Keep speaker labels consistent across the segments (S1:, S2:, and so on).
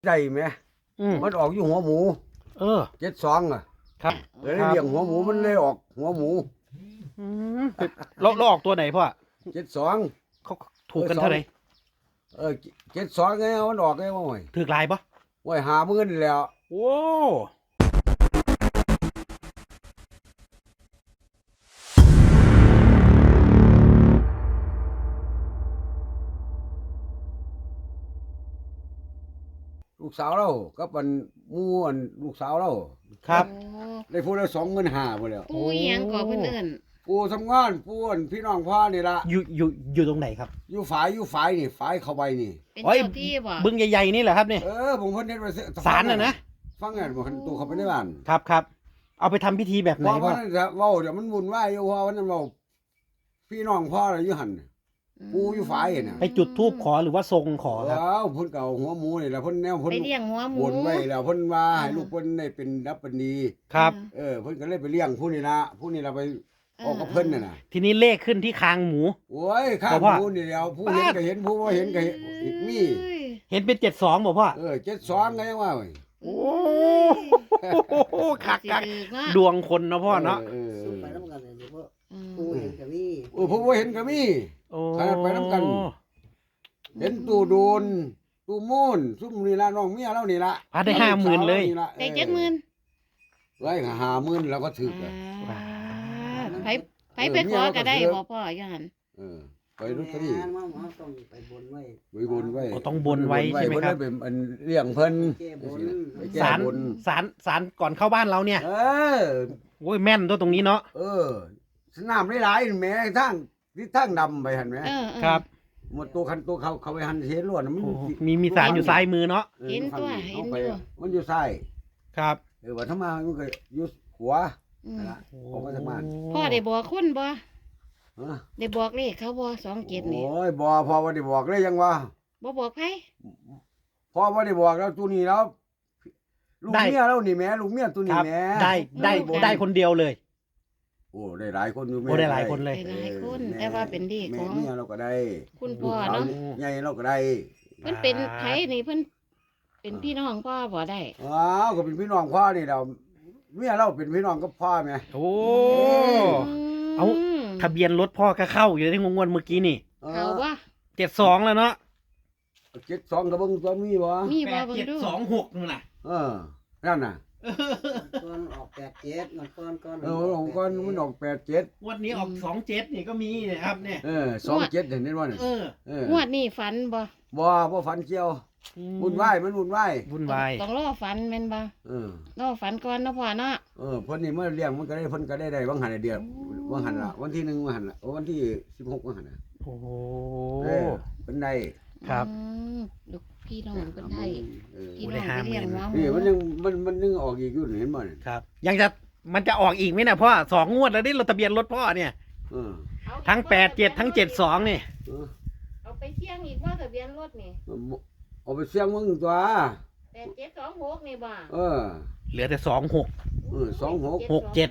S1: ใจไหมมันออกอยู่หัวหมู72อ่ะ
S2: ครับ
S1: เลยเลี้ยงหัวหมูมันเลยออกหัวหมู
S2: แล้วออกตัวไหนพ่อ
S1: 72
S2: เขาถูกกันเท่าไหร่
S1: 72ไงมันออกไงว่าห่วย
S2: ถือลายปะ
S1: ห่วย50,000นี่แล้ว
S2: โอ้
S1: ลูกสาวเรากับมันหมู่อันลูกสาวเรา
S2: ครับ
S1: ได้พูดแล้ว25,000พุ่นแล้ว
S3: ปู่อีหยังก่อเพิ่นเอิ้น
S1: ปู่ทำงานปู่อันพี่น้องพ่อนี่ล่ะ
S2: อยู่ตรงไหนครับ
S1: อยู่ฝายนี่ฝายเข้าไปนี่
S3: เป็นเจ้าที่บ่
S2: บึงใหญ่ๆนี่แหละครับเนี่ย
S1: ผมเพิ่นเฮ็ดไว้
S2: ศาลน่ะนะ
S1: ฟังงานบ่คันตู้เข้าไปในบ้าน
S2: ครับเอาไปทำพิธีแบบไหน
S1: พ่อ
S2: พ่อ
S1: เว้าเดี๋ยวมันวุ่นวายอยู่ว่าวันนั้นเว้าพี่น้องพ่อน่ะอยู่หั่นปู่อยู่ฝายน่ะ
S2: ไปจุดธูปขอหรือว่าทรงขอครับ
S1: เพิ่นก็เอาหัวหมูนี่แหละเพิ่นแนวเพิ่น
S3: ไปเลี้ยงหัวหมู
S1: บ่นไว้แล้วเพิ่นว่าให้ลูกเพิ่นได้เป็นดับเป็นดี
S2: ครับ
S1: เพิ่นก็เลยไปเลี้ยงผู้นี่ล่ะไปออกกับเพิ่นน่ะ
S2: ทีนี้เลขขึ้นที่คางหมู
S1: โอ้ยข้างหมูนี่แล้วผู้เห็นก็เห็นผู้บ่เห็นก็เห็นมี
S2: เห็นเป็น72บ่พ่อ
S1: 72ไงว่าเว้ย
S2: โอ้คักดวงคนเนาะพ่อเนาะ
S4: ไปน้ำกันเลยพ่อผู้เห็นก็มี
S1: ผู้บ่เห็นก็มีไปนํกันเห็นตู้โดนตู้มูนซุ่มนี่ล่ะน้องเมียเรานี่ล่ะ
S2: ได้50,000เลย
S3: ได้70,000
S1: ไว้50,000แล้วก็ถึก
S3: ไปขอก็ได้บ่พ่ออยู่หั่น
S1: ไปลอตเตอรี่
S4: ต้องไปบนไว้
S2: ต้องบนไว้ใช่ไหมครับ
S1: เป็นเลี้ยงเพิ่น
S2: ศาลก่อนเข้าบ้านเราเนี่ยโอ้ยแม่นตัวตรงนี้เนาะ
S1: สนามหลายๆแม่ทางดำไปหั่นแม่
S2: ครับ
S1: หมดตัวคันตัวเขาไปหันเห็นล้วนมัน
S2: มีศาลอยู่ซ้ายมือเนาะ
S3: เห็นอยู่
S1: มันอยู่ซ้าย
S2: ครับ
S1: ว่าถ้ามามันก็อยู่ขวาออกมาจากบ้าน
S3: พ่อได้บอกคนบ่ได้บอกเลขเขาบ่27นี่
S1: โอ้ยบ่พ่อบ่ได้บอกเลยยังว่า
S3: บ่บอกไผ
S1: พ่อบ่ได้บอกแล้วตัวนี้แล้วลูกเมียแล้วนี่แม่ลูกเมียตัวนี้แม่
S2: ได้คนเดียวเลย
S1: โอ้ได้หลายคนอยู่แม่
S2: ได้หลายคนเลย
S3: ได้หลายคนแต่ว่าเป็นดีของ
S1: เมียเราก็ได้
S3: คุณพ่อเนาะ
S1: ใหญ่เราก็ได้
S3: เพิ่นเป็นไผนี่เพิ่นเป็นพี่น้องพ่อบ่ได้
S1: ก็เป็นพี่น้องพ่อนี่เราเมียเราเป็นพี่น้องกับพ่อแม่
S2: โอ้เอาทะเบียนรถพ่อก็เข้าอยู่ในงวดเมื่อกี้นี่
S3: เข้าบ่
S2: 72แล้วเนาะ
S1: 72ก็เบิ่งตัวมีบ่
S3: มีบ่เบิ่งดู
S2: 726นู่นน่ะ
S1: นั่นน่ะ
S4: ก่อนออก87มันก่อน
S1: ก่อนมันออก87
S2: วันนี้ออก27นี่ก็มีนะครับเนี่ย
S1: 27เห็นบ่เนี่ย
S3: งวดนี้ฝัน
S1: บ่ฝันเกี่ยววุ่นวาย
S3: ต้องรอฝันแม่นบ่รอฝันก่อนเนาะพ่อเนาะ
S1: เพิ่นนี่เมื่อเลี้ยงมันก็ได้เพิ่นก็ได้บางหันเดียวบางหันล่ะวันที่1บางหันล่ะวันที่16บางหันน่ะ
S2: โอ้โห
S1: เพิ่นได้
S2: ครับ
S3: ลูกพี่น้องเพิ่นได้พี่น้องไปเลี้ยงหัวหมู
S1: นี่มันยังออกอีกอยู่เห็นบ่เนี่ย
S2: ครับมันจะออกอีกมั้ยน่ะพ่อ2งวดแล้วนี่รถทะเบียนรถพ่อเนี่ยทั้ง87ทั้ง72นี่
S3: เอาไปเสี่ยงอีกว่าทะเบียนรถนี่
S1: เอาไปเสี่ยงมึงตัว
S3: 8726นี่บ่
S2: เหลือแต่26
S1: 26
S2: 67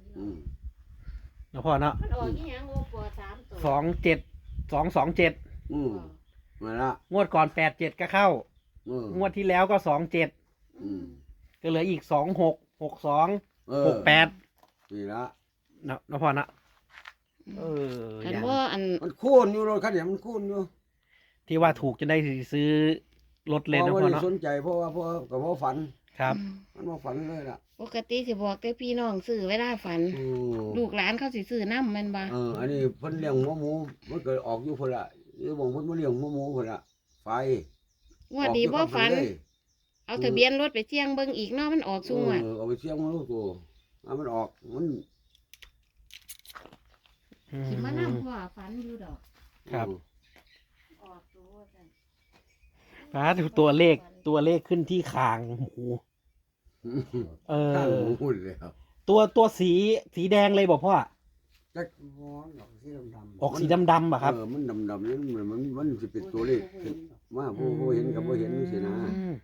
S2: นะพ่อเนาะ
S3: มันออกอีหยังบ่3ตัว
S2: 27227
S1: มาละ
S2: งวดก่อน87ก็เข้างวดที่แล้วก็27ก็เหลืออีก26 62 68
S1: นี่ละ
S2: นะพ่อนะ
S3: คันว่า
S1: มันคูณอยู่รถคันนี้มันคูณอยู่
S2: ที่ว่าถูกจะได้ซื้อรถเลยนะพ่อเนาะ
S1: สนใจเพราะว่ากับพ่อฝัน
S2: ครับ
S1: มันบ่ฝันเลยล่ะ
S3: ปกติสิบอกแต่พี่น้องซื้อเวลาฝันลูกหลานเขาสิซื้อนำแม่นบ่
S1: อันนี้เพิ่นเลี้ยงหัวหมูมันก็ออกอยู่พุ่นล่ะอยู่บ่เพิ่นมาเลี้ยงหัวหมูพุ่นล่ะไฟ
S3: งวดนี้บ่ฝันเอาทะเบียนรถไปเสี่ยงเบิ่งอีกเนาะมันออกซุงอ่ะ
S1: เอาไปเสี่ยงมันลูกตัวมันออกมัน
S3: สิมานำพ่อฝันอยู่ดอก
S2: ครับ
S3: ออกตัวจัง
S2: ตัวเลขขึ้นที่คางหมู
S1: หุ่นเลยครับ
S2: ตัวสีแดงเลยบอกพ่อ
S1: จัก
S2: ออกสีดำป่ะครับ
S1: มันดำนี่มันจะเป็นตัวเลขมาผู้เห็นกับผู้เห็นนี่สินะ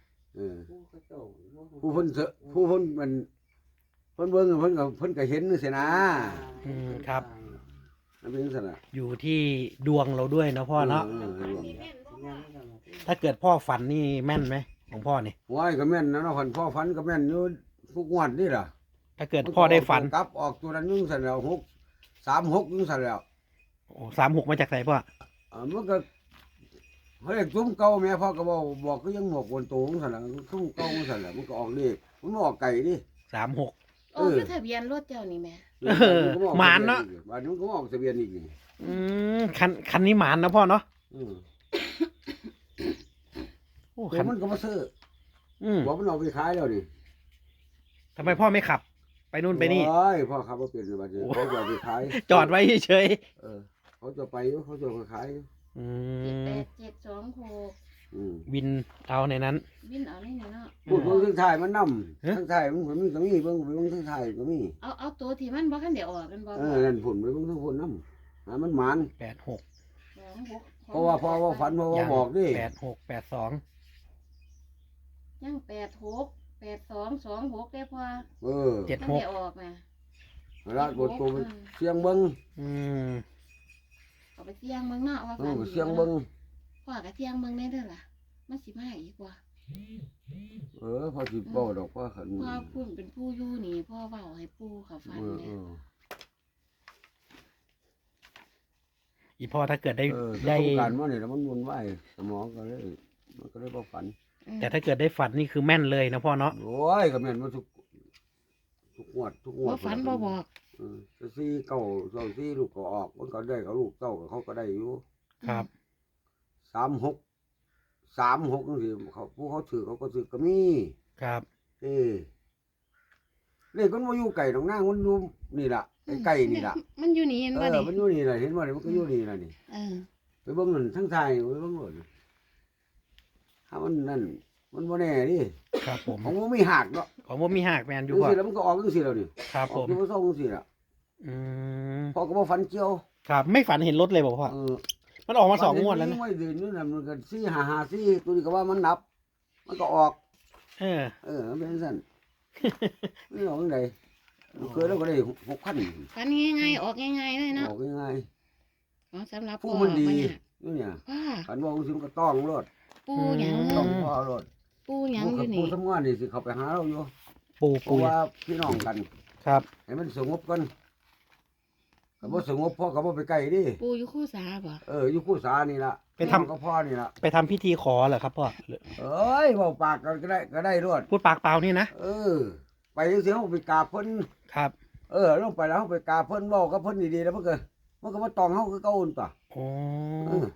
S1: ผู้เพิ่นมันเพิ่นเบิ่งเพิ่นก็เห็นนี่สิ
S2: นะครับ
S1: นั่นเป็นสันน่ะ
S2: อยู่ที่ดวงเราด้วยนะพ่อเนาะถ้าเกิดพ่อฝันนี่แม่นไหมของพ่อนี่
S1: ว้ายก็แม่นนะเนาะพันพ่อฝันก็แม่นอยู่ทุกงวดนี่ล่ะ
S2: ถ้าเกิดพ่อได้ฝัน
S1: กลับออกตัวนั้นยุ่งสั่นแล้ว6 3 6ยุ่งสั่นแล้ว
S2: โอ้36มาจากไหนพ่อ
S1: มันก็เขาเรียกซุ้มเก่าแม่พ่อก็บอกก็ยังหมกบนตัวของสั่นแล้วซุ้มเก่าของสั่นแล้วมันก็ออกนี่มันบ่ออกไก่ดิ
S2: 36
S3: โอ้คือทะเบียนรถเจ้านี่แม่
S2: หมานเนาะ
S1: บ้านนี้มันก็ออกทะเบียนอีกนี่
S2: คันนี้หมานนะพ่อเนาะ
S1: อืม
S2: โอ้
S1: ตัว
S2: คัน
S1: มันก็มาซื้อ
S2: อืม
S1: หัวมันเอาไปขายแล้วนี่
S2: ทำไมพ่อไม่ขับ ไปนู่นไปนี่
S1: โอ้ยพ่อขับมาเปลี่ยนบัดนี้
S2: โอ้
S1: เขาจะเอาไปขาย
S2: จอดไว้เฉย
S1: เออเขาจะไปอยู่เขาจะเอาไปขายอยู่
S2: ๆอื
S3: 78726
S1: อืม
S2: วินเอาในนั้น
S3: วินเอานี่เนาะ
S1: พูดเบิ่งทั้งถ่ายมันน
S2: ฮะ
S1: ำทั้งถ่ายมันมันก็มีเบิ่งทั้งถ่ายก็มี
S3: เอาตัวที่มันบ่คันได้ออกกันบ่
S1: เออนั่นผลไปเบิ่งทั้งผลนำหามันหมาน
S2: 86
S3: 26
S1: เพราะว่าพ่อว่าฝันเพราะว่าบอกดิ
S2: 86 82
S3: ยัง86 82 26ได้พอ
S1: เออ
S2: 7
S3: คันได้ออกน่ะ
S1: ร้านบทตัวเสียงเบิ่ง
S2: อืม
S3: เอาไปเสี่ยงเบิ่งเนาะว่า
S1: เอ
S3: ฝัน
S1: อ
S3: ดี
S1: เสียงเบิ่ง
S3: พ่อก็เสี่ยงเบิ่งได้เด้อล่ะมันสิมาอีกว่า
S1: เออพอสิเว้าดอกว่าขัน
S3: พ่อพูดเป็นผู้อยู่นี่พ่อเว้าให้ปู่เขาฟัง
S1: เออ
S3: เนี่
S1: เอย อ
S2: อีพ่อถ้าเกิดได้
S1: เออ
S2: ได้
S1: ประสบการณ์มานี่แล้วมันวนไหวสมองก็เลยมันก็เลยบ่ฝัน
S2: แต่ถ้าเกิดได้ฝันนี่คือแม่นเลยนะพ่อเนาะ
S1: โอ้ยก็แม่นมาทุกงวด
S3: บ่ฝันบ่บอก
S1: จะซี่เก่าเจ้าซี่ลูกก็ออกมันก็ได้กับลูกเต้ากับเขาก็ได้อยู่
S2: ครับ
S1: 36 36จังซี่เขาผู้เขาถือเขาก็ถือก็มี
S2: ครับ
S1: เลขมันบ่อยู่ไก่ตรงหน้ามันอยู่นี่ล่ะใกล้ๆนี่ล่ะ
S3: มันอยู่นี่เห็นบ่
S1: มัน
S3: นี่
S1: อยู่นี่ล่ะเห็นบ่นี่มันก็อยู่นี่ล่ะนี่
S3: เออ
S1: ไปเบิ่งนั่นทั้งไทยไปเบิ่งโลดถ้ามันนั่นมันบ่แน่ดิ
S2: ครับผม
S1: ของมันมีหักเนาะ
S2: ของผมมีหักแมนอ
S1: จั
S2: ยู่
S1: ง
S2: พ่อ
S1: ซี่แล้วมันก็ออกจังซี่แล้วนี่
S2: ครับ
S1: อ
S2: ผ
S1: อก
S2: ม
S1: อยู่บ่ซ่องจังซี่ล่ะ
S2: อืม
S1: พอก็บ่ฝันเกี่ยว
S2: ครับไม่ฝันเห็นรถเลยบอกพ่อ
S1: เออ
S2: มันออกมา2 งวดแล้วนะ
S1: ไม่ดืนนี่น่ะมันก็4 5 5 4ตัวนี้ก็ว่ามันนับ มันก็ออก มันเป็นซั่นมันออกจังไดเคยแล้วก็ได้6,000
S3: ฝันง่ายๆออกง่ายๆเลยเนาะ
S1: ออกง่าย
S3: ของสำหรับ
S1: ๆผู้
S3: พ่อ
S1: มันดี
S3: บ่ยาก
S1: อยู่เนี่ย
S3: พ่อ
S1: คันว่าจังซี่มันก็ต้องรถ
S3: ปู่หยัง
S1: ต้องพ่อรถ
S3: ปู่หยังอยู่
S1: ผู้
S3: นี่
S1: ทำงานนี่สิเขาไปหาเราอยู่
S2: ปู
S1: เพราะว่าพี่น้องกัน
S2: ครับ
S1: ให้มันสงบกันก็บ่สงบพ่อก็บ่ไปใกล้ดิ
S3: ปู่อยู่คู่สาบ่
S1: อยู่คู่สานี่ล่ะ
S2: ไปทำ
S1: น้องกับพ่อนี่ล่ะ
S2: ไปทำพิธีขอเหรอครับพ่อหรือ
S1: เอ้ยเว้าปากกันก็ได้รวด
S2: พูดปากเปล่านี่นะ
S1: ไปจังซี่เฮาไปกราบเพิ่น
S2: ครับ
S1: ลงไปแล้วเฮาไปกราบเพิ่นเว้ากับเพิ่นดีๆแล้วมันก็มาตองเฮาคือเก่าหั่นป่ะ
S2: โอ้
S1: เออ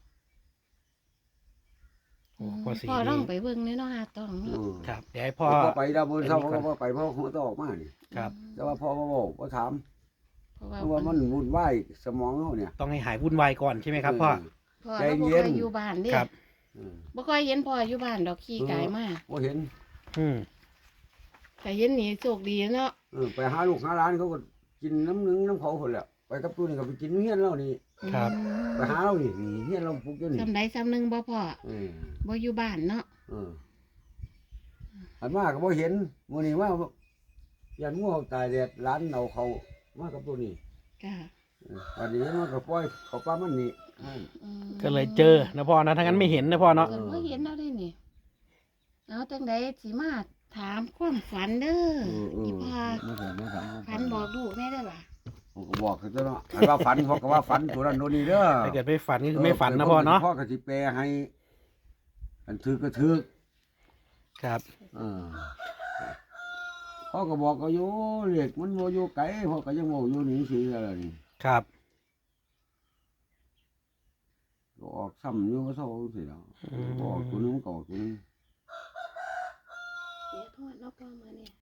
S2: โอ้พ่อสี
S3: พ่อลองไปเบิ่งแน่เนาะหาต้อง
S1: เอ
S3: เนาะ
S2: ครับ เดี๋ยวให้
S1: พ่
S2: พ่
S1: อ
S2: อ
S1: ไปดาวบนเสาก็บ่ไปเพราะหัวต้องออกมานี่
S2: ครับ
S1: แต่ว่าพ่อบ่เว้าบ่ถาม
S3: เพราะว่า
S1: เพราะว่ามันวุ่นวายสมองเฮาเนี่ย
S2: ต้องให้หายวุ่นวายก่อนใช่ไหมครับพ่อ
S3: พ่อ
S1: ใจ
S3: เราบ่
S1: เย็
S3: ค่
S1: น
S3: อยอยู่บ้านเด้
S2: ครับ
S1: เออ
S3: บ่ค่อยเห็นพ่ออยู่บ้านดอกขี้กายมา
S1: บ่เห็น
S2: อืม
S3: แต่เห็นนี่โชคดีเนาะ
S1: ไปหาลูกหาหลานเขาก็กินน้ำหนึงน้ำเขาคนแหละไปกับตู้นี่ก็ไปกินเฮียนเรานี่
S2: ครับ
S1: ไปหาเรานี่เฮียนเราปลูกอยู่นี่
S3: ซำใดซำหนึงบ่พ่อ
S1: เออ
S3: บ่อยู่บ้านเนาะ
S1: อันมาก็บ่เห็นมื้อนี้ว่ายันงูตายแดดหลานเอาเขามากับตู้นี่
S3: จ้ะ
S1: วันนี้มันก็ปล่อยเขาป้ามันนี่
S2: ก็เลยเจอนะพ่อนะถ้างั้นไม่เห็นนะพ่อเนาะ
S3: เกิดบ่เห็นเอาได้นี่เอาจังไดสิมาถามความฝันเด้ออีพ่อ
S1: ไม่ถาม
S3: ฝันบอกลูกแม่ได้อล่ะ
S1: ผมก็บอกคือเนาะอันว่าฝันพ่อก็ว่าฝันตัวนั้นตัวนี้เด้อ
S2: ถ้าเกิดไม่ฝันก็คือไม่ฝันนะพ่อเนาะ
S1: พ่อก็สิแปลให้อันถือก็ถือ
S2: ครับ
S1: พ่อก็บอกก็อยู่เรียกมันโมอยู่ไกลพ่อก็ยังโมอยู่นี่สิอะไรนี่
S2: ครับ
S1: ก็ออกซ้ำอยู่ก็เศร้าสิแล้วออกตัวนึงก็ออกตัวนึง
S3: เดี๋ยวโทษเนาะพ่อมาเนี่ย